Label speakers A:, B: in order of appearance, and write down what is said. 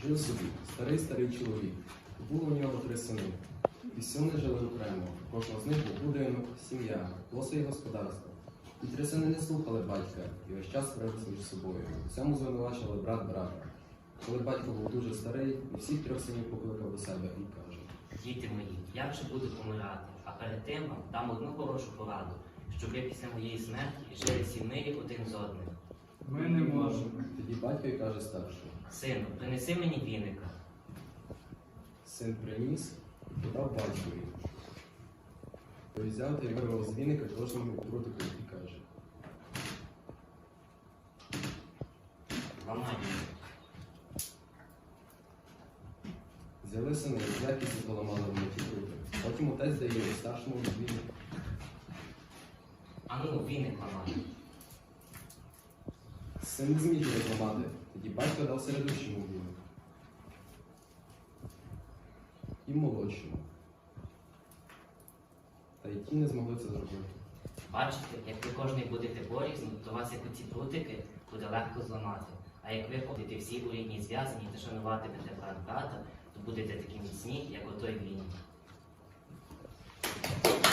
A: Жив собі старий чоловік. Було у нього 3 сини. І сини жили окремо. Кожного з них був будинок, сім'я, було своє господарство. І 3 сини не слухали батька і весь час сварилися між собою. У цьому звинувачували брат брата. Коли батько був дуже старий, і всіх 3 синів покликав до себе і каже:
B: Діти мої, я вже буду помирати, а перед тим вам дам одну хорошу пораду, щоб ви після моєї смерті жили всі в мирі один з одним.
C: Ми не можемо.
A: Тоді батько й каже старший:
B: Сину, принеси мені віника.
A: Син приніс і подав батькові. Той взяв та й вирвав з віника кожному прутику і каже:
B: Ламай віник.
A: Взяли сини і з легкістю поламали вони ті прути. Потім отець дає старшому віник.
B: Ану, віник ламай.
A: Син не зміг його зламати, тоді батько дав середущому віник. І молодшому. Та й ті не змогли це зробити.
B: Бачите, як ви кожний будете порізно, то вас, як оці прутики, буде легко зламати. А як ви будете всі у рідній зв'язані та шануватимете брат брата, то будете такі міцні, як отой віник.